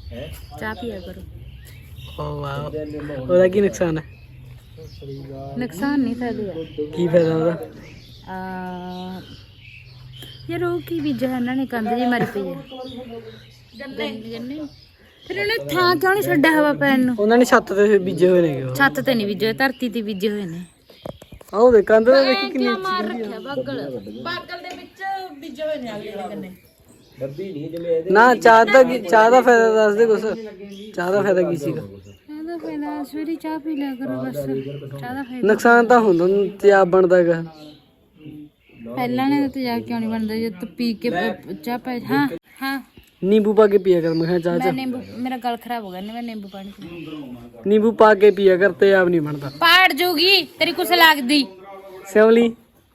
ਚਾਹ ਪੀਆ ਕਰੋ। ਓ ਵਾਹ, ਉਹਦਾ ਕੀ ਨੁਕਸਾਨ ਹੈ? ਨੁਕਸਾਨ ਨਹੀਂ ਫਾਇਦੇ ਆ। ਕੀ ਫਾਇਦਾ ਉਹਦਾ? ਯਾਰ ਉਹ ਕੀ ਬੀਜਿਆ ਇਹਨਾਂ ਨੇ, ਕੰਧ ਜੀ ਮਾਰੀ ਪਈ ਹੈ ਗੰਨੇ। ਫਿਰ ਉਹਨੇ ਥਾਂ ਕਿਉਂ ਨਹੀਂ ਛੱਡਿਆ ਹਵਾ ਪੈਣ ਨੂੰ? ਉਹਨਾਂ ਨੇ ਛੱਤ ਤੇ ਬੀਜੇ ਹੋਏ ਨੇ। ਛੱਤ ਤੇ ਨਹੀਂ ਬੀਜੇ ਹੋਏ, ਧਰਤੀ ਤੇ ਬੀਜੇ ਹੋਏ ਨੇ। ਆਹ ਦੇ ਕੰਧ ਦਾ ਦੇਖ ਕਿੰਨੀ ਮਾਰ ਰੱਖਿਆ ਬਾਗਲ ਦੇ ਵਿੱਚ ਬੀਜੇ ਹੋਏ ਨੇ ਅਗਲੇ ਦੇ ਗੰਨੇ। ਨਾ ਚਾਹ ਦਾ ਫਾਇਦਾ ਦੱਸ ਦੇ ਕੁਛ। ਚਾਹ ਦਾ ਫਾਇਦਾ ਕੀ ਸੀਗਾ? ਇਹਦਾ ਫਾਇਦਾ ਸਵੇਰੇ ਚਾਹ ਪੀ ਲਿਆ ਕਰੋ ਬਸ। ਚਾਹ ਦਾ ਫਾਇਦਾ ਨੁਕਸਾਨ ਤਾਂ ਹੁੰਦਾ ਤੇਜ਼ਾਬ ਬਣਦਾ ਹੈਗਾ। ਪਹਿਲਾਂ ਨੇ ਤਾਂ ਤੇਜ਼ਾਬ ਕਿਉਂ ਨਹੀਂ ਬਣਦਾ ਜੇ ਤੂੰ ਪੀ ਕੇ ਚਾਹ ਪੀ। ਹਾਂ ਨੀਂਬੂ ਪਾ ਕੇ ਪੀਆ ਕਰ। ਮੈਂ ਕਿਹਾ ਚਾਹ ਮੈਂ ਨਿੰਬੂ, ਮੇਰਾ ਗਲ ਖਰਾਬ ਹੋ ਗਿਆ ਮੈਂ ਨਿੰਬੂ ਪਾਣੀ ਪੀਣਾ। ਨੀਂਬੂ ਪਾ ਕੇ ਪੀਆ ਕਰ, ਤੇਜ਼ਾਬ ਨਹੀਂ ਬਣਦਾ। ਪਾੜ ਜੂਗੀ ਤੇਰੀ ਕੁਛ ਲੱਗਦੀ। ਸਿਮਲੀ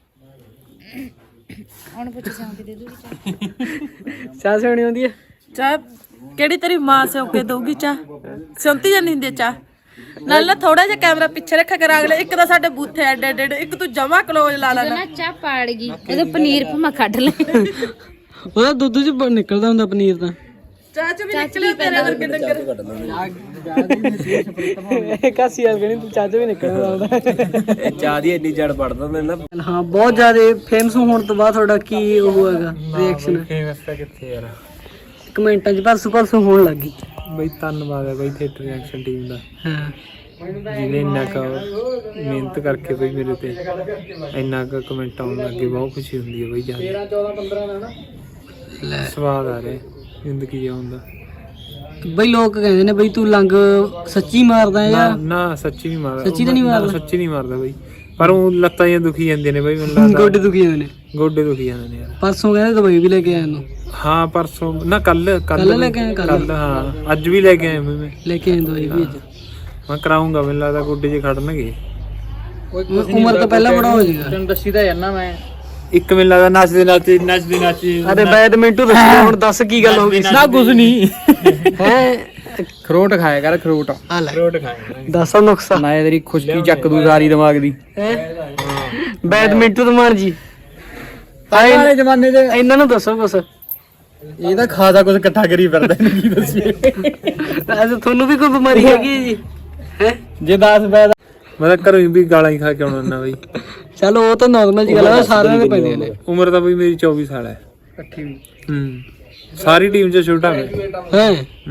ਹੁਣ ਪੁੱਛ ਸਾਂ ਕਿ ਦੇ ਦੂਗੀ ਚਾਹ ਸਿਉਣੀ ਹੁੰਦੀ ਹੈ? ਚਾਹ ਕਿਹੜੀ ਤੇਰੀ ਮਾਂ ਸਿਉਂ ਕੇ ਦਊਗੀ ਚਾਹ? ਸਿਉਂਤੀ ਜਾਂ ਨਹੀਂ ਹੁੰਦੀ ਚਾਹ ਨਾਲ ਨਾ ਥੋੜਾ ਜਿਹਾ ਕੈਮਰਾ ਪਿੱਛੇ ਰੱਖਿਆ ਕਰ। ਅਗਲੇ ਇੱਕ ਤਾਂ ਸਾਡੇ ਬੂਥੇ ਐਡੇ ਐਡੇ, ਇੱਕ ਤੂੰ ਜਮਾ ਕਲੋਜ਼ ਲਾ ਲੈਣਾ। ਨਾ ਚਾਹ ਪਾੜ ਗਈ ਇਹਦੇ ਪਨੀਰ ਭਮਾ ਕੱਢ ਲੈ। ਉਹਦਾ ਦੁੱਧ ਚ ਨਿਕਲਦਾ ਹੁੰਦਾ ਪਨੀਰ ਤਾਂ। ਚਾਹ ਚ ਵੀ ਨਿਕਲਿਆ ਤੇਰੇ ਵਰਗੇ ਡੰਗਰ। ਕਾਸੀ ਆ ਗਣੀ ਤੂੰ ਚਾਹ ਚ ਵੀ ਨਿਕਲਦਾ ਹੁੰਦਾ। ਚਾਹ ਦੀ ਇੰਨੀ ਜੜ ਪੜਦਾ ਨਾ। ਹਾਂ ਬਹੁਤ ਜ਼ਿਆਦਾ ਫੇਮਸ ਹੋਣ ਤੋਂ ਬਾਅਦ ਤੁਹਾਡਾ ਕੀ ਉਹ ਹੈਗਾ ਰਿਐਕਸ਼ਨ? ਫੇਮਸ ਤਾਂ ਕਿੱਥੇ ਯਾਰ, ਕਮੈਂਟਾਂ 'ਚ ਪਰਸੋਂ ਹੋਣ ਲੱਗੀ। ਬਈ ਧੰਨਵਾਦ ਹੈ ਬਈ ਥੀਏਟਰ ਐਕਸ਼ਨ ਟੀਮ ਦਾ, ਹਾਂ ਜਿਹਨੇ ਇੰਨਾ ਕੁ ਮਿਹਨਤ ਕਰਕੇ ਬਈ ਮੇਰੇ ਤੇ ਇੰਨਾ ਕੁ ਕਮੈਂਟ ਆਉਣ ਲੱਗੇ। ਬਹੁਤ ਖੁਸ਼ੀ ਹੁੰਦੀ ਹੈ ਬਈ। 13 14 15 ਦਾ ਨਾ ਸਵਾਦ ਆ ਰਿਹਾ ਜ਼ਿੰਦਗੀ ਜਿਉਣ ਦਾ। ਬਈ ਲੋਕ ਕਹਿੰਦੇ ਨੇ ਬਈ ਤੂੰ ਲੰਗ ਸੱਚੀ ਮਾਰਦਾ ਜਾਂ ਨਾ ਸੱਚੀ ਨਹੀਂ ਮਾਰਦਾ। ਸੱਚੀ ਤਾਂ ਨਹੀਂ ਮਾਰਦਾ? ਸੱਚੀ ਨਹੀਂ ਮਾਰਦਾ ਬਈ, ਪਰ ਉਹ ਲੱਤਾਂ ਜਿਹੀਆਂ ਦੁਖੀ ਜਾਂਦੀਆਂ ਨੇ ਬਈ। ਮੈਨੂੰ ਲੱਗਦਾ ਗੋਡੇ ਦੁਖੀ ਜਾਂਦੇ ਨੇ। ਗੋਡੇ ਦੁਖੀ ਜਾਂਦੇ ਨੇ ਯਾਰ। ਪਰਸੋਂ ਕਹਿੰਦੇ ਦਵਾਈ ਵੀ ਲੈ ਕੇ ਆਇਆ ਨੂੰ। ਹਾਂ ਪਰਸੋਂ ਨਾ ਕੱਲ ਲੈ ਕੇ ਆਏ? ਕੱਲ ਹਾਂ ਅੱਜ ਵੀ ਲੈ ਕੇ ਆਇਆ ਮੈਂ ਲੈ ਕੇ ਆਏ ਦਵਾਈ ਵੀ ਅੱਜ। ਮੈਂ ਕਰਾਉਂਗਾ, ਮੈਨੂੰ ਲੱਗਦਾ ਗੋਡੇ 'ਚ ਖੜਨਗੇ। ਉਮਰ ਤੋਂ ਪਹਿਲਾਂ ਬੜਾ ਹੋ ਜਾਏਗਾ। ਤੈਨੂੰ ਦੱਸੀ ਤਾਂ ਜਾਂਦਾ ਮੈਂ। ਇੱਕ ਮੈਨੂੰ ਲੱਗਦਾ ਨੱਚਦੇ ਨੱਚਦੇ ਅਰੇ ਬੈਡਮਿੰਟਨ ਦੱਸੀ ਹੁਣ, ਦੱਸ ਕੀ ਗੱਲ ਹੋ ਗਈ? ਨਾ ਕੁਝ ਨਹੀਂ ਹੈ ਖਰੋਟ ਖਾਇਆ ਕਰ, ਖਰੋਟ ਖਰੋਟ ਖਾਇਆ। ਦੱਸੋ ਨੁਕਸਾ। ਮੈਂ ਤੇਰੀ ਖੁਸ਼ਕੀ ਚੱਕ ਦੂ ਸਾਰੀ ਦਿਮਾਗ ਦੀ। ਬੈਡਮਿੰਟਨ ਮਾਰ ਜੀ ਪਹਿਲੇ ਜ਼ਮਾਨੇ 'ਚ ਇਹਨਾਂ ਨੂੰ ਦੱਸੋ ਕੁਛ। ਇਹ ਤਾਂ ਖਾਸਾ ਕੁਝ ਇਕੱਠਾ ਕਰੀ ਫਿਰਦਾ, ਇਹਨੂੰ ਕੀ ਦੱਸੀਏ। ਤੁਹਾਨੂੰ ਵੀ ਕੋਈ ਬਿਮਾਰੀ ਹੈਗੀ ਹੈ ਜੀ? ਹੈ ਜੇ 10 ਬੈਦ ਮੈਂ ਤਾਂ ਘਰੋਂ ਵੀ ਗਾਲਾਂ ਹੀ ਖਾ ਕੇ ਆਉਣਾ ਹੁੰਦਾ ਬਈ। ਚਲੋ ਉਹ ਤਾਂ ਨਾਰਮਲ ਜੀ ਗੱਲ ਹੈ, ਸਾਰਿਆਂ ਦੇ ਪੈਂਦੀਆਂ ਨੇ। ਉਮਰ ਤਾਂ ਬਈ ਮੇਰੀ 24 ਸਾਲ ਹੈ ਇਕੱਠੀ। ਸਾਰੀ ਟੀਮ 'ਚ ਛੋਟਾ ਮੈਂ। ਹੈ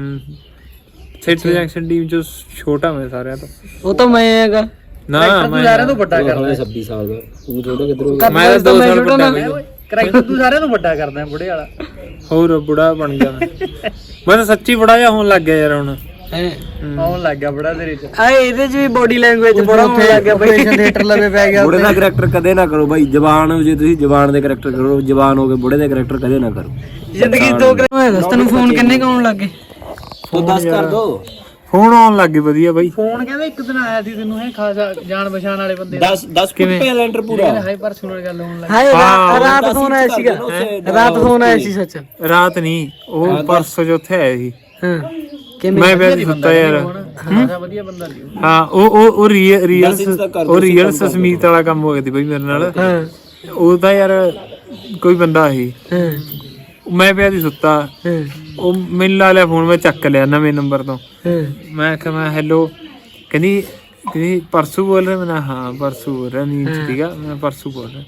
ਥੀਏਟਰ ਐਕਸ਼ਨ ਟੀਮ 'ਚ ਛੋਟਾ ਮੈਂ ਸਾਰਿਆਂ ਤੋਂ। ਉਹ ਤਾਂ ਮੈਂ ਹੈਗਾ ਨਾ ਮੈਂ ਸਾਰਿਆਂ ਤੋਂ ਵੱਡਾ ਕਰਦਾ। 26 ਸਾਲ ਦਾ ਤੂੰ ਛੋਟਾ ਕਿੱਧਰੋਂ? ਮੈਂ ਤਾਂ 2 ਸਾਲ ਵੱਡਾ ਬਈ। ਕਰੈਕਟਰ ਤੂੰ ਸਾਰਿਆਂ ਤੋਂ ਵੱਡਾ ਕਰਦਾ ਬੁੜੇ ਵਾਲਾ। ਹੋਰ ਬੁੜਾ ਬਣ ਗਿਆ ਮੈਂ ਤਾਂ ਸੱਚੀ ਬੁੜਾ ਜਿਹਾ ਹੋਣ ਲੱਗ ਗਿਆ ਯਾਰ ਹੁਣ। ਆਉਣ ਲੱਗ ਗਿਆ ਬੜਾ ਤੇਰੇ ਚ। ਆ ਇਹਦੇ ਚ ਵੀ ਬੋਡੀ ਲੈਂਗੁਏਜ ਬੜਾ ਹੋਣ ਲੱਗ ਗਿਆ ਬਈ। ਥੀਏਟਰ ਲਵੇ ਪੈ ਗਿਆ। ਬੁੜੇ ਦਾ ਕਰੈਕਟਰ ਕਦੇ ਨਾ ਕਰੋ ਬਾਈ। ਜਵਾਨ ਜੇ ਤੁਸੀਂ ਜਵਾਨ ਦੇ ਕਰੈਕਟਰ ਕਰੋ, ਜਵਾਨ ਹੋ ਕੇ ਬੁੜੇ ਦੇ ਕਰੈਕਟਰ ਕਦੇ ਨਾ ਕਰੋ। ਜ਼ਿੰਦਗੀ ਦੋ ਦੱਸ ਤੈਨੂੰ ਫੋਨ ਕਿੰਨੇ ਆਉਣ ਲੱਗ ਗਏ? ਤੂੰ 10 ਕਰ ਦੋ। ਫੋਨ ਆਉਣ ਲੱਗ ਗਏ ਵਧੀਆ ਬਾਈ। ਫੋਨ ਕਹਿੰਦਾ ਇੱਕ ਦਿਨ ਆਇਆ ਸੀ ਤੈਨੂੰ, ਹੈ ਖਾਸਾ ਜਾਣ ਪਛਾਣ ਵਾਲੇ ਬੰਦੇ। 10 ਕਿਵੇਂ ਲੈਂਟਰ ਪੂਰਾ ਹਾਈ ਪਰਸਨਲ ਗੱਲ ਹੋਣ ਲੱਗੀ। ਹਾਏ ਰਾਤ ਫੋਨ ਆਇਆ ਸੀਗਾ। ਰਾਤ ਫੋਨ ਆਇਆ ਸੀ ਸੱਚ। ਰਾਤ ਨਹੀਂ, ਉਹ ਪਰਸੋਂ ਚੌਥੇ ਆਇਆ ਸੀ। ਹਾਂ ਮੈਂ ਪਿਆ ਸੀ ਸੁੱਤਾ ਯਾਰ। ਵਧੀਆ ਬੰਦਾ ਸੀ। ਹਾਂ ਉਹ ਰੀਅਲ ਸਸਮੀਤ ਵਾਲਾ ਕੰਮ ਹੋ ਗਿਆ ਸੀ ਬਈ ਮੇਰੇ ਨਾਲ। ਹਾਂ ਉਹ ਤਾਂ ਯਾਰ ਕੋਈ ਬੰਦਾ ਸੀ। ਮੈਂ ਪਿਆ ਸੀ ਸੁੱਤਾ, ਉਹ ਮੈਨੂੰ ਲਾ ਲਿਆ ਫੋਨ। ਮੈਂ ਚੱਕ ਲਿਆ ਨਵੇਂ ਨੰਬਰ ਤੋਂ। ਮੈਂ ਕਿਹਾ ਮੈਂ ਹੈਲੋ, ਕਹਿੰਦੀ ਪਰਸੂ ਬੋਲ ਰਿਹਾ। ਮੈਂ ਹਾਂ ਪਰਸੂ ਬੋਲ ਰਿਹਾ, ਨੀਂਦ ਚ ਸੀਗਾ ਮੈਂ। ਪਰਸੂ ਬੋਲ ਰਿਹਾ।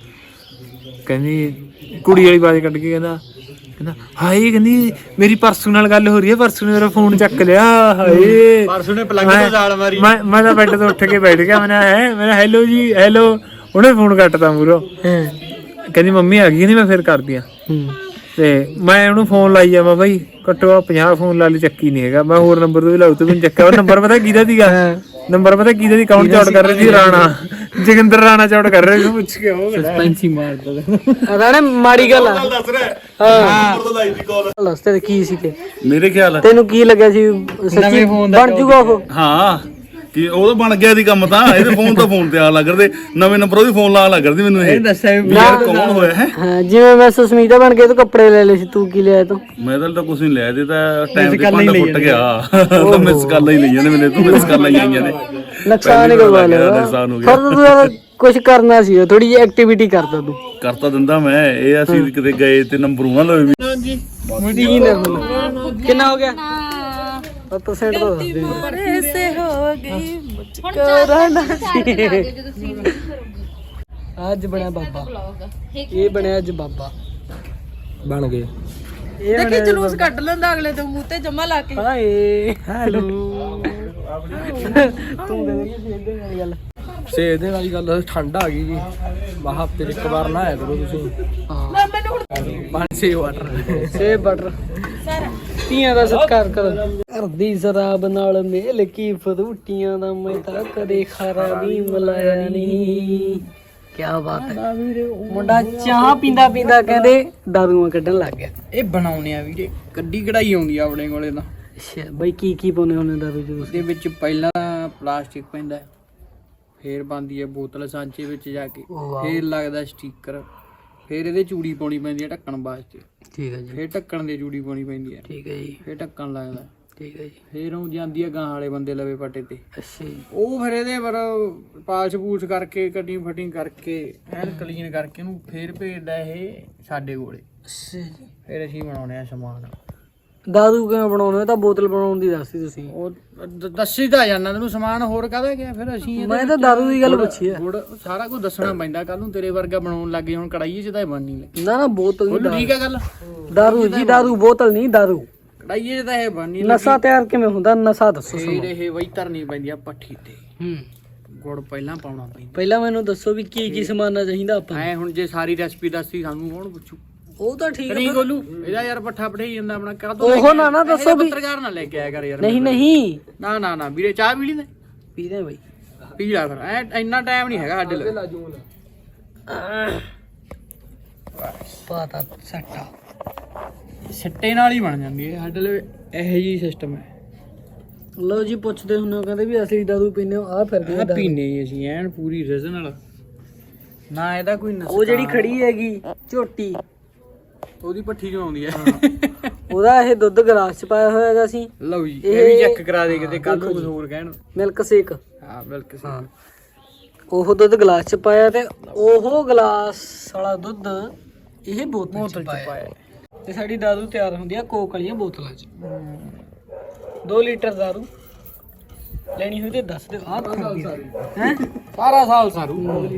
ਕਹਿੰਦੀ ਕੁੜੀ ਵਾਲੀ ਆਵਾਜ਼ ਕੱਢ ਕੇ ਕਹਿੰਦਾ ਹਾਏ, ਕਹਿੰਦੀ ਮੇਰੀ ਪਰਸੂ ਨਾਲ ਗੱਲ ਹੋ ਰਹੀ ਹੈ, ਪਰਸੂ ਨੇ ਮੇਰਾ ਫੋਨ ਚੱਕ ਲਿਆ। ਹਾਏ ਪਰਸੂ ਨੇ ਪਲੰਗ ਤੋਂ ਝਾੜ ਮਾਰੀ। ਮੈਂ ਤਾਂ ਬੈੱਡ ਤੋਂ ਉੱਠ ਕੇ ਬੈਠ ਗਿਆ। ਮੈਂ ਹੈਲੋ ਜੀ ਹੈਲੋ। ਉਹਨੇ ਫੋਨ ਕੱਟਤਾ ਮੂਹਰੋਂ। ਕਹਿੰਦੀ ਮੰਮੀ ਆ ਗਈ। ਨਹੀਂ ਮੈਂ ਫਿਰ ਕਰਦੀ ਆ। ਤੇ ਮੈਂ ਉਹਨੂੰ ਫੋਨ ਲਾਈ ਜਾਵਾਂ ਬਾਈ, ਘੱਟੋ 50 ਫੋਨ ਲਾ ਲਈ, ਚੱਕੀ ਨਹੀਂ ਹੈਗਾ। ਮੈਂ ਹੋਰ ਨੰਬਰ ਤੋਂ ਵੀ ਲਾਉ, ਤੂੰ ਮੈਨੂੰ ਚੱਕਿਆ। ਉਹ ਨੰਬਰ ਪਤਾ ਕਿਹਦਾ ਸੀਗਾ? ਨੰਬਰ ਪਤਾ ਕਿਹਦਾ ਸੀ? ਕੌਣ ਚੌੜ ਕਰ ਰਹੀ ਸੀ? ਰਾਣਾ, ਜੋਗਿੰਦਰ ਰਾਣਾ ਚੌੜ ਕਰ ਰਿਹਾ ਸੀ। ਪੁੱਛ ਕੇ ਉਹ ਸਸਪੈਂਸ ਹੀ ਮਾਰਦਾ ਰਾਣਾ। ਮਾੜੀ ਗੱਲ ਆ। ਹਾਂ ਦੱਸ ਤੇ ਕੀ ਸੀ? ਮੇਰੇ ਖਿਆਲ ਤੈਨੂੰ ਕੀ ਲੱਗਿਆ ਸੀ ਸੱਚੀ ਬਣ ਜੂਗਾ ਉਹ? ਹਾਂ ਕਿ ਉਹ ਤਾਂ ਬਣ ਗਿਆ ਦੀ ਕੰਮ ਤਾਂ। ਇਹਦੇ ਫੋਨ ਤਾਂ ਫੋਨ ਤੇ ਆ ਲੱਗ ਕਰਦੇ, ਨਵੇਂ ਨੰਬਰ ਉਹਦੀ ਫੋਨ ਲਾ ਲੱਗ ਕਰਦੀ ਮੈਨੂੰ। ਇਹ ਦੱਸਿਆ ਵੀ ਯਾਰ ਕੌਣ ਹੋਇਆ ਹੈ? ਹਾਂ ਜਿਵੇਂ ਮੈਂ ਸੁਸਮੀਤਾ ਬਣ ਕੇ ਤੂੰ ਕੱਪੜੇ ਲੈ ਲਏ ਸੀ, ਤੂੰ ਕੀ ਲਿਆ ਤੂੰ? ਮੈਂ ਤਾਂ ਕੁਝ ਨਹੀਂ ਲਿਆ। ਇਹਦੇ ਤਾਂ ਟਾਈਮ ਤੇ ਭਾਂਡਾ ਫੁੱਟ ਗਿਆ। ਤਾਂ ਮਿਸ ਕਾਲਾਂ ਹੀ ਲਈਆਂ ਨੇ ਮੈਨੂੰ। ਤੂੰ ਮਿਸ ਕਾਲਾਂ ਹੀ ਆਈਆਂ ਨੇ। ਨੁਕਸਾਨ ਹੀ ਕਰਵਾ ਲਿਆ। ਨੁਕਸਾਨ ਹੋ ਗਿਆ। ਫਿਰ ਤੂੰ ਕੁਝ ਕਰਨਾ ਸੀ, ਥੋੜੀ ਜਿਹੀ ਐਕਟੀਵਿਟੀ ਕਰਦਾ ਤੂੰ। ਕਰਤਾ ਦਿੰਦਾ ਮੈਂ। ਇਹ ਅਸੀਂ ਕਿਤੇ ਗਏ ਤੇ ਨੰਬਰ ਉਹਨਾਂ ਲਵੇ ਵੀ। ਕਿੰਨਾ ਹੋ ਗਿਆ? % ਤੋਂ ਦੱਸ ਦੇ मारे से हो गई ਹੁਣ 4 ਜਦੋਂ ਸੀਨ ਅੱਜ ਬਣਿਆ ਬਾਬਾ ਇਹ ਬਣਿਆ ਅੱਜ ਬਾਬਾ ਬਣ ਗਏ ਇਹ देखी जलूस कट लेंदा अगले तो मुंह ते जमा ला के ਹਾਏ ਹੈਲੋ ਤੂੰ ਦੇ ਦੇ ਇਹਦੇ ਵਾਲੀ ਗੱਲ ਸੇਬ ਦੇ ਵਾਲੀ ਗੱਲ ਠੰਡ ਆ ਗਈ ਜੀ ਮਾ ਹਫਤੇ ਇੱਕ ਵਾਰ ਨਹਾਇਆ ਕਰੋ ਤੁਸੀਂ मैं मैंने हुण ਪਾਣੀ ਸੇਬ ਬਟਰ ਧੀਆਂ ਦਾ ਸਤਿਕਾਰ ਕਰੋ ਘਰ ਦੀ ਸ਼ਰਾਬ ਨਾਲ ਮੇਲ ਕੀ ਫਰੂਟੀਆਂ ਦਾ ਮੈਂ ਤਾਂ ਕਦੇ ਖਾਰਾ ਵੀ ਮਲਾਇਆ ਨਹੀਂ ਕੀ ਬਾਤ ਹੈ ਮੁੰਡਾ ਚਾਹ ਪੀਂਦਾ ਪੀਂਦਾ ਕਹਿੰਦੇ ਦਾਰੂਆਂ ਕੱਢਣ ਲੱਗ ਗਿਆ ਇਹ ਬਣਾਉਣੇ ਆ ਵੀਰੇ ਕੱਢੀ ਕਢਾਈ ਆਉਂਦੀ ਆ ਆਪਣੇ ਕੋਲੇ ਤਾਂ ਅੱਛਾ ਬਈ ਕੀ ਪਾਉਨੇ ਹੁੰਦੇ ਦਾਰੂ ਚ ਇਹਦੇ ਵਿੱਚ ਪਹਿਲਾਂ ਪਲਾਸਟਿਕ ਪੈਂਦਾ ਹੈ, ਫੇਰ ਬਣਦੀ ਹੈ ਬੋਤਲ ਸਾਂਚੇ ਵਿੱਚ ਜਾ ਕੇ, ਫੇਰ ਲੱਗਦਾ ਸਟicker, ਫੇਰ ਇਹਦੇ ਚੂੜੀ ਪਾਉਣੀ ਪੈਂਦੀ ਹੈ ਢੱਕਣ ਵਾਸਤੇ, ਠੀਕ ਹੈ ਜੀ ਫੇਰ ਢੱਕਣ ਦੀ ਚੂੜੀ ਪਾਉਣੀ ਪੈਂਦੀ ਹੈ, ਠੀਕ ਹੈ ਜੀ ਫੇਰ ਢੱਕਣ ਲੱਗਦਾ, ਠੀਕ ਹੈ ਜੀ ਫੇਰ ਉਹ ਜਾਂਦੀ ਹੈ ਗਾਂ ਵਾਲੇ ਬੰਦੇ ਲਵੇ ਪੱਟੇ ਤੇ, ਅੱਛਾ ਜੀ ਉਹ ਫਿਰ ਇਹਦੇ ਪਰ ਪਾਲਸ਼ ਪੂਲਸ਼ ਕਰਕੇ ਕਟਿੰਗ ਫਟਿੰਗ ਕਰਕੇ ਐਨ ਕਲੀਨ ਕਰਕੇ ਉਹਨੂੰ ਫੇਰ ਭੇਜਦਾ ਇਹ ਸਾਡੇ ਕੋਲੇ, ਅੱਛਾ ਜੀ ਫੇਰ ਅਸੀਂ ਬਣਾਉਣੇ ਆ ਸਮਾਨ। ਦਾਰੂ ਕਿਵੇਂ ਬਣਾਉਣੇ ਹੋ ਤਾਂ ਬੋਤਲ ਬਣਾਉਣ ਦੀ ਦੱਸੀ ਤੁਸੀਂ ਉਹ ਦੱਸੀ ਤਾਂ ਜਾਂਦਾ ਤੈਨੂੰ ਸਮਾਨ ਹੋਰ ਕਾਹਦਾ ਗਿਆ, ਫਿਰ ਅਸੀਂ ਇਹਦੇ ਮੈਂ ਤਾਂ ਦਾਰੂ ਦੀ ਗੱਲ ਪੁੱਛੀ ਆ ਗੁੜ ਸਾਰਾ ਕੁਝ ਦੱਸਣਾ ਪੈਂਦਾ, ਕੱਲ ਨੂੰ ਤੇਰੇ ਵਰਗਾ ਬਣਾਉਣ ਲੱਗੇ ਹੁਣ ਕੜਾਈਏ ਚ ਤਾਂ ਇਹ ਬਣਨੀ ਲੱਗੀ। ਨਾ ਨਾ ਬੋਤਲ ਬੋਲੂ ਨਹੀਂ ਠੀਕ ਹੈ ਗੱਲ, ਦਾਰੂ ਜੀ ਦਾਰੂ ਬੋਤਲ ਨਹੀਂ ਦਾਰੂ ਕੜਾਈਏ ਚ ਤਾਂ ਇਹ ਬਣਨੀ ਨਸ਼ਾ ਤਿਆਰ ਕਿਵੇਂ ਹੁੰਦਾ ਨਸ਼ਾ ਦੱਸੋ ਫੇਰ ਸਾਨੂੰ ਇਹ ਵਈ ਧਰਨੀ ਪੈਂਦੀ ਆ ਪੱਠੀ ਤੇ, ਹੂੰ ਗੁੜ ਪਹਿਲਾਂ ਪਾਉਣਾ ਪੈਂਦਾ। ਪਹਿਲਾਂ ਮੈਨੂੰ ਦੱਸੋ ਵੀ ਕੀ ਕੀ ਸਮਾਨਾ ਚਾਹੀਦਾ ਆਪਾਂ ਐ ਹੁਣ ਜੇ ਸਾਰੀ ਰੈਸਪੀ ਦੱਸੀ ਸਾਨੂੰ ਕੌਣ ਪੁੱਛੂ, ਉਹ ਤਾਂ ਠੀਕ ਨਹੀਂ ਗੋਲੂ ਇਹਦਾ ਯਾਰ ਪੱਠਾ ਪਠਾਈ ਜਾਂਦਾ ਆਪਣਾ ਕਰ ਦੋ ਉਹ ਨਾ ਦੱਸੋ ਵੀ ਪੱਤਰਕਾਰ ਨਾ ਲੈ ਕੇ ਆਇਆ ਕਰ ਯਾਰ, ਨਹੀਂ ਨਹੀਂ ਨਾ ਨਾ ਨਾ ਵੀਰੇ ਚਾਹ ਪੀ ਲੈਂਦੇ, ਪੀਦੇ ਬਈ ਪੀ ਲੈ ਫਿਰ ਐ ਇੰਨਾ ਟਾਈਮ ਨਹੀਂ ਹੈਗਾ ਸਾਡੇ ਲਈ। ਪਤਾ ਸੱਟਾ ਸਿੱਟੇ ਨਾਲ ਹੀ ਬਣ ਜਾਂਦੀ ਹੈ ਸਾਡੇ ਲਈ, ਇਹੋ ਜੀ ਸਿਸਟਮ ਹੈ। ਲੋ ਜੀ ਪੁੱਛਦੇ ਹੁੰਦੇ ਹੋ ਕਹਿੰਦੇ ਵੀ ਅਸੀਂ ਦਾਰੂ ਪੀਨੇ ਹੋ ਆ ਫਿਰਦੇ ਆ ਪੀਨੇ ਅਸੀਂ ਐਨ ਪੂਰੀ ਰੀਜਨਲ, ਨਾ ਇਹਦਾ ਕੋਈ ਨਸਾ, ਉਹ ਜਿਹੜੀ ਖੜੀ ਹੈਗੀ ਝੋਟੀ ਉਹਦੀ ਪੱਠੀ ਚੋਂ ਆਉਂਦੀ ਹੈ। ਉਹਦਾ ਇਹ ਦੁੱਧ ਗਲਾਸ ਚ ਪਾਇਆ ਹੋਇਆ ਹੈਗਾ ਸੀ ਲਓ ਜੀ ਇਹ ਵੀ ਚੈੱਕ ਕਰਾ ਦੇ ਕਿਤੇ ਕੱਲ ਨੂੰ ਕੁਝ ਹੋਰ ਕਹਿਣ। ਮਿਲਕ ਸ਼ੇਕ ਹਾਂ ਬਿਲਕੁਲ ਸਹੀ। ਉਹ ਦੁੱਧ ਗਲਾਸ ਚ ਪਾਇਆ ਤੇ ਉਹ ਗਲਾਸ ਵਾਲਾ ਦੁੱਧ ਇਹ ਬੋਤਲ ਚ ਪਾਇਆ ਤੇ ਸਾਡੀ ਦਾਰੂ ਤਿਆਰ ਹੁੰਦੀ ਆ ਕੋਕ ਵਾਲੀਆਂ ਬੋਤਲਾਂ ਚ। 2 ਲੀਟਰ ਦਾਰੂ ਲੈਣੀ ਹੋਈ ਤੇ ਦੱਸ ਦਿਓ ਆਹ ਹੈ ਸਾਰਾ ਸਾਲ ਸਾਰੂ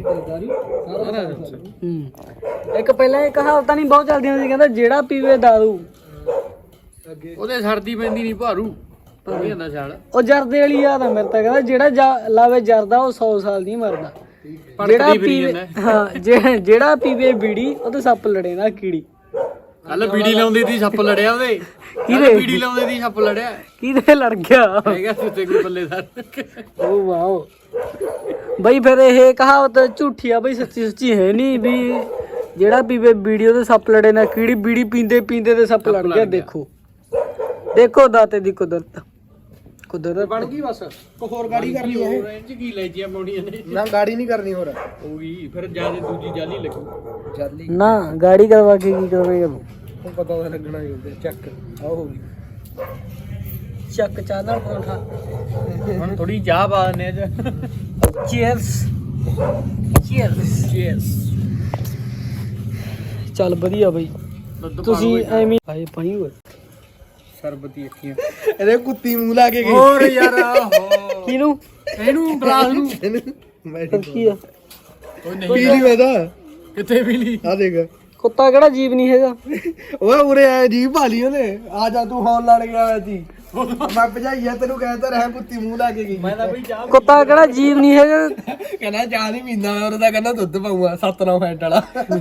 ਇੱਕ ਪਹਿਲਾਂ ਇਹ ਕਹਾਵਤਾਂ ਨਹੀਂ ਬਹੁਤ ਚੱਲਦੀਆਂ ਸੀ ਕਹਿੰਦਾ ਜਿਹੜਾ ਪੀਵੇ ਦਾਰੂ ਉਹਦੇ ਸਰਦੀ ਪੈਂਦੀ ਨਹੀਂ ਭਾਰੂ ਪਈ ਜਾਂਦਾ ਸਾਲ। ਉਹ ਜਰਦੇ ਵਾਲੀ ਯਾਦ ਆ ਮੇਰੇ ਤਾਂ ਕਹਿੰਦਾ ਜਿਹੜਾ ਲਾਵੇ ਜਰਦਾ ਉਹ 100 ਸਾਲ ਨਹੀਂ ਮਰਦਾ, ਜਿਹੜਾ ਪੀਵੇ ਹਾਂ ਜਿਹੜਾ ਪੀਵੇ ਬੀੜੀ ਉਹਦੇ ਸੱਪ ਲੜੇ ਨਾ ਕੀੜੀ। ਕੱਲ ਬੀੜੀ ਲਾਉਂਦੀ ਸੀ ਸੱਪ ਲੜਿਆ ਉਹਦੇ, ਕਿਹਦੇ? ਬੀੜੀ ਲਾਉਂਦੇ ਸੀ ਸੱਪ ਲੜਿਆ, ਕਿਹਦੇ ਲੜ ਗਿਆ ਹੈਗਾ ਸੁੱਤੇ ਕੋਈ ਬੱਲੇਦਾਰ। ਓ ਵਾਓ ਬਈ ਫਿਰ ਇਹ ਕਹਾਵਤ ਝੂਠੀ ਆ ਬਈ, ਸੱਚੀ ਸੱਚੀ ਹੈ ਨਹੀਂ ਵੀ ਜਿਹੜਾ ਪੀਵੇ ਬੀੜੀ ਉਹਦੇ ਸੱਪ ਲੜੇ ਨਾ ਕੀੜੀ। ਬੀੜੀ ਪੀਂਦੇ ਪੀਂਦੇ ਤੇ ਸੱਪ ਲੜ ਗਿਆ। ਦੇਖੋ ਦੇਖੋ ਦਾਤੇ ਦੀ ਕੁਦਰਤ ਬਣ ਗਈ ਬਸ, ਹੋਰ ਗਾੜੀ ਕਰਨੀ ਹੈ ਇਹ ਚ ਕੀ ਲੈ ਜੀਆਂ ਪਾਉਣੀਆਂ ਨੇ ਨਾ ਗਾੜੀ ਨਹੀਂ ਕਰਨੀ ਹੋਰ ਹੋਊਗੀ, ਫਿਰ ਜਿਆਦਾ ਦੂਜੀ ਜਾਲੀ ਲੱਗੂ ਜਾਲੀ ਨਾ ਗਾੜੀ ਕਰਵਾ ਕੇ ਕੀ ਕਰਵੇਂਗਾ ਤੂੰ? ਨੂੰ ਪਤਾ ਤਾਂ ਲੱਗਣਾ ਹੀ ਹੁੰਦਾ। ਚੱਕ ਆਹ ਹੋ ਗਈ ਚੱਕ ਚਾਹ ਨਾਲ ਪਰੌਂਠਾ। ਹੁਣ ਥੋੜੀ ਚਾਹ ਪਾ ਦਿੰਨੇ ਆ ਚੀਅਰਸ ਚੀਅਰਸ ਚੀਅਰਸ। ਚੱਲ ਵਧੀਆ ਬਈ ਤੁਸੀਂ ਐਵੇਂ ਆਏ ਪਾਣੀ ਹੋਏ ਸਰਬਤੀ ਅੱਖੀਆਂ ਇਹਦੇ ਕੁੱਤੀ ਮੂੰਹ ਲਾ ਕੇ ਗਈ ਹੋਰ ਯਾਰ ਆਹੋ ਕਿਹਨੂੰ ਇਹਨੂੰ ਗਲਾਸ ਨੂੰ ਮੈਂ ਫਿਰ ਕੀ ਆ ਪੀ ਲਈ ਮੈਂ ਤਾਂ ਕਿੱਥੇ ਪੀ ਲਈ? ਆ ਦੇਖ ਕੁੱਤਾ ਕਿਹੜਾ ਜੀਵ ਨਹੀਂ ਹੈਗਾ। ਓਏ ਉਰੇ ਆ ਜੀ ਭਾਲੀ ਉਹਨੇ ਆ ਜਾ ਤੂੰ ਹੌਲ ਲੜ ਗਿਆ ਹੋਇਆ ਸੀ ਮੈਂ ਭਜਾਈਆ ਤੈਨੂੰ ਕਹਿੰਦਾ ਰਿਹਾ ਕੁੱਤੀ ਮੂੰਹ ਲਾ ਕੇ ਗਈ। ਮੈਂ ਤਾਂ ਬਈ ਚਾਹ ਕੁੱਤਾ ਕਿਹੜਾ ਜੀਵ ਨਹੀਂ ਹੈਗਾ। ਕਹਿੰਦਾ ਚਾਹ ਨਹੀਂ ਪੀਂਦਾ ਉਹਦਾ ਕਹਿੰਦਾ ਦੁੱਧ ਪਾਊਗਾ 7-9 ਫੈਂਟ ਵਾਲਾ।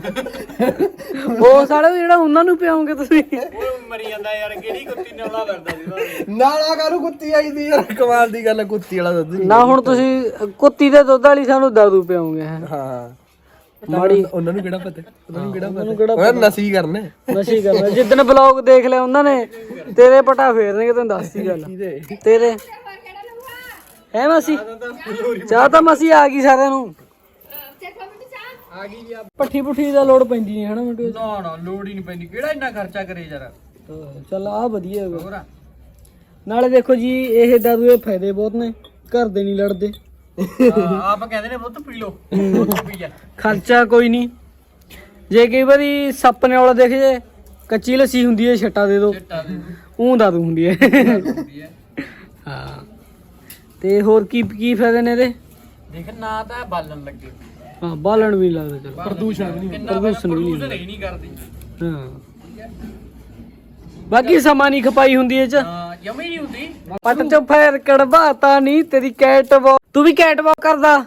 ਉਹ ਸਾਲੇ ਜਿਹੜਾ ਉਹਨਾਂ ਨੂੰ ਪਿਆਉਂਗੇ ਤੁਸੀਂ। ਉਹ ਮਰੀ ਜਾਂਦਾ ਯਾਰ, ਕਿਹੜੀ ਕੁੱਤੀ ਨੌਲਾ ਵਰਦਾ ਸੀ ਨਾਲਾ ਕਾਹਨੂੰ ਕੁੱਤੀ ਆਈ ਦੀ ਯਾਰ, ਕਮਾਲ ਦੀ ਗੱਲ ਹੈ ਕੁੱਤੀ ਵਾਲਾ ਦੁੱਧ ਨਾ ਹੁਣ ਤੁਸੀਂ ਕੁੱਤੀ ਦੇ ਦੁੱਧ ਵਾਲੀ ਸਾਨੂੰ ਦਾਰੂ ਪਿਆਉਂਗੇ। ਹਾਂ ਮਾੜੀ ਉਹਨਾਂ ਨੂੰ ਕਿਹੜਾ ਪਤਾ, ਉਹਨਾਂ ਨੂੰ ਕਿਹੜਾ ਪਤਾ ਨਸੀ ਕਰਨੇ ਨਸ਼ੀ ਕਰਨਾ। ਜਿੱਦਣ ਬਲੌਗ ਦੇਖ ਲਿਆ ਉਹਨਾਂ ਨੇ ਤੇਰੇ ਪਟਾ ਫੇਰਨਗੇ ਤੈਨੂੰ ਦੱਸਦੀ ਗੱਲ ਤੇਰੇ ਹੈ ਮਸੀ ਚਾਹ ਤਾਂ ਮਸੀ ਆ ਗਈ ਸਾਰਿਆਂ ਨੂੰ ਪੱਠੀ ਪੁੱਠੀ ਦਾ ਲੋੜ ਪੈਂਦੀ ਨਹੀਂ ਹਨਾ ਮਿੰਟੂ। ਨਾ ਨਾ ਲੋੜ ਹੀ ਨਹੀਂ ਪੈਂਦੀ, ਕਿਹੜਾ ਇੰਨਾ ਖਰਚਾ ਕਰੇ ਯਾਰ। ਚੱਲ ਆ ਵਧੀਆ ਹੈਗਾ। ਹੋਰ ਨਾਲੇ ਦੇਖੋ ਜੀ ਇਹ ਦਾਰੂ ਦੇ ਫਾਇਦੇ ਬਹੁਤ ਨੇ, ਘਰ ਦੇ ਨਹੀਂ ਲੜਦੇ, ਆਪ ਕਹਿੰਦੇ ਨੇ ਬਹੁਤ ਪੀ ਲੋ ਪੀ ਜਾ। ਖਰਚਾ ਕੋਈ ਨਹੀਂ। ਜੇ ਕਈ ਵਾਰੀ ਸੱਪ ਨੇ ਵਾਲਾ ਦੇਖ ਜੇ ਕੱਚੀ ਲੱਸੀ ਹੁੰਦੀ ਹੈ ਛੱਟਾ ਦੇ ਦੋ, ਦਾਰੂ ਹੁੰਦੀ ਹੈ। ਹਾਂ ਤੇ ਹੋਰ ਕੀ ਕੀ ਫਾਇਦੇ ਨੇ ਇਹਦੇ? ਦੇਖ ਨਾ ਤਾਂ ਬਾਲਣ ਲੱਗੇ, ਹਾਂ ਬਾਲਣ ਵੀ ਨੀ ਲੱਗਦਾ ਚਲ, ਪ੍ਰਦੂਸ਼ਣ ਵੀ ਨਹੀਂ ਨਹੀਂ ਕਰਦੀ। ਹਾਂ ਬਾਕੀ ਸਮਾਂ ਨਹੀਂ ਖਪਾਈ ਹੁੰਦੀ ਇਹ ਚ, ਹਾਂ ਜਮੀ ਨਹੀਂ ਹੁੰਦੀ। ਪੱਟ ਚ ਫੇਰ ਕੜਵਾਤਾ ਨਹੀਂ ਤੇਰੀ ਕੈਟ ਵਾਕ। ਤੂੰ ਵੀ ਕੈਟ ਵਾਕ ਕਰਦਾ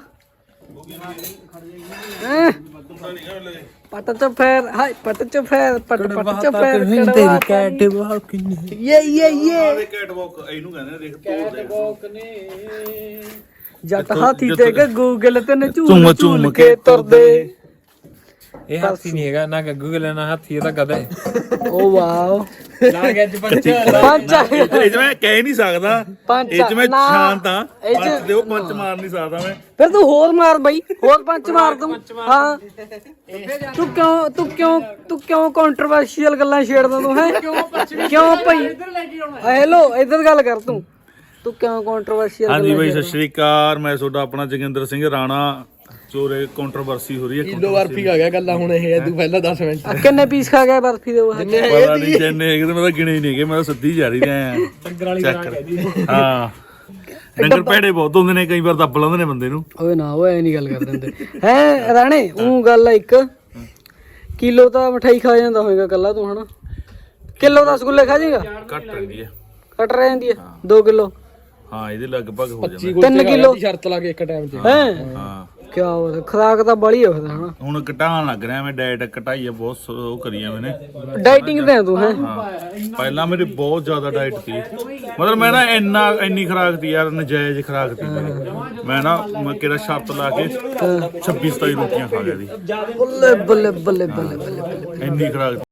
ਹੈਂ? ਪੱਟ ਚ ਫੇਰ ਹਾਏ ਪੱਟ ਚ ਫੇਰ ਪੱਟ ਚ ਫੇਰ ਤੇਰੀ ਕੈਟ ਵਾਕ ਇਹ ਕੈਟ ਵਾਕ ਇਹਨੂੰ ਕਹਿੰਦੇ ਨੇ, ਦੇਖ ਜੱਟ ਹਾਥੀ ਤੇ ਗੂਗਲ ਤੇ ਝੂਮ ਝੂਮ ਝੂਮ ਝੂਮ ਕੇ ਕੇ ਤੁਰਦੇ। ਇਹ ਹਾਥੀ ਨਹੀਂ ਹੈਗਾ ਨਾ, ਗੱਗੂ ਗਲੇ ਨਾ ਹਾਥੀ, ਇਹ ਤਾਂ ਗਧਾ ਹੈ। ਓ ਵਾਓ ਲਾ ਕੇ ਅੱਜ ਪੰਜ ਪੰਜ ਇਹ ਚ ਮੈਂ ਕਹਿ ਨਹੀਂ ਸਕਦਾ, ਪੰਜ ਇਹ ਚ ਮੈਂ ਨਾ, ਸ਼ਾਂਤ ਆ, ਇਹ ਚ- ਪੰਜ ਦਿਓ ਪੰਜ ਮਾਰ ਨਹੀਂ ਸਕਦਾ ਮੈਂ। ਫਿਰ ਤੂੰ ਹੋਰ ਮਾਰ ਬਈ, ਹੋਰ ਪੰਜ ਮਾਰ ਦੂੰ। ਹਾਂ ਤੂੰ ਕਿਉਂ ਕੰਟਰੋਵਰਸ਼ੀਅਲ ਗੱਲਾਂ ਛੇੜਦਾ ਤੂੰ ਹੈ? ਕਿਉਂ ਭਾਈ ਹੈਲੋ ਇੱਧਰ ਗੱਲ ਕਰ ਤੂੰ ਕਿਉਂ ਕੰਟਰੋਵਰਸ਼ੀਅਲ ਹਾਂਜੀ ਬਾਈ ਸਤਿ ਸ਼੍ਰੀ ਅਕਾਲ, ਮੈਂ ਤੁਹਾਡਾ ਆਪਣਾ ਜੋਗਿੰਦਰ ਸਿੰਘ ਰਾਣਾ। ਚੋਰੇ ਕੰਟਰੋਵਰਸੀ ਹੋ ਰਹੀ ਹੈ, ਕਿਲੋ ਬਰਫੀ ਖਾ ਗਿਆ ਗੱਲਾਂ ਹੁਣ ਇਹ ਤੂੰ ਪਹਿਲਾਂ 10 ਮਿੰਟ ਕਿੰਨੇ ਪੀਸ ਖਾ ਗਿਆ ਬਰਫੀ ਦੇ ਉਹ? ਪਤਾ ਨਹੀਂ ਜਿੰਨੇ ਹੈਗੇ ਤੇ ਮੈਂ ਤਾਂ ਗਿਣੇ ਹੀ ਨਹੀਂ ਗਏ, ਮੈਂ ਤਾਂ ਸਿੱਧੀ ਜਾ ਰਹੀ ਰਿਹਾ ਹਾਂ। ਡੰਗਰ ਭੈੜੇ ਬਹੁਤ ਹੁੰਦੇ ਨੇ, ਕਈ ਵਾਰ ਦੱਬ ਲੈਂਦੇ ਨੇ ਬੰਦੇ ਨੂੰ। ਓਏ ਨਾ ਓਏ ਐ ਨਹੀਂ ਗੱਲ ਕਰ ਦਿੰਦੇ ਹੈ ਰਾਣੇ। ਉਹ ਗੱਲ ਆ, 1 ਕਿਲੋ ਤਾਂ ਮਠਾਈ ਖਾ ਜਾਂਦਾ ਹੋਏਗਾ ਕੱਲਾ ਤੂੰ ਹਨਾ? ਕਿਲੋ ਦਾ ਰਸਗੁੱਲੇ ਖਾ ਜਾਏਗਾ? ਘੱਟ ਰਹਿੰਦੀ ਹੈ, ਘਟ ਰਹਿ ਜਾਂਦੀ ਹੈ 2 ਕਿਲੋ। ਹਾਂ ਇਹਦੇ ਲਗਭਗ ਹੋ ਜਾਂਦਾ 3 ਕਿਲੋ ਸ਼ਰਤ ਲਾ ਕੇ ਇੱਕ ਟਾਈਮ 'ਚ ਹੈ। ਹਾਂ। ਕੀ ਬਾਤ, ਖੁਰਾਕ ਤਾਂ ਬੜੀ ਹੋ ਫਿਰ ਹਨਾ? ਹੁਣ ਘਟਾਉਣ ਲੱਗ ਰਿਹਾ ਮੈਂ, ਡਾਈਟ ਘਟਾਈ ਆ ਬਹੁਤ, ਉਹ ਕਰੀ ਆ ਮੈਨੇ। ਡਾਈਟਿੰਗ ਤੇ ਆ ਤੂੰ ਹੈ? ਹਾਂ ਪਹਿਲਾਂ ਮੇਰੀ ਬਹੁਤ ਜ਼ਿਆਦਾ ਡਾਈਟ ਸੀ, ਮਤਲਬ ਮੈਂ ਨਾ ਇੰਨੀ ਖੁਰਾਕ ਤੀ ਯਾਰ, ਨਜਾਇਜ਼ ਖੁਰਾਕ ਤੀ ਮੈਂ ਨਾ। ਮੈਂ ਕਿਹੜਾ ਸ਼ਰਤ ਲਾ ਕੇ 26-27 ਰੋਟੀਆਂ ਖਾ ਗਿਆ ਸੀ, ਬੱਲੇ ਬੱਲੇ ਬੱਲੇ ਬੱਲੇ ਬੱਲੇ। ਇੰਨੀ ਖੁਰਾਕ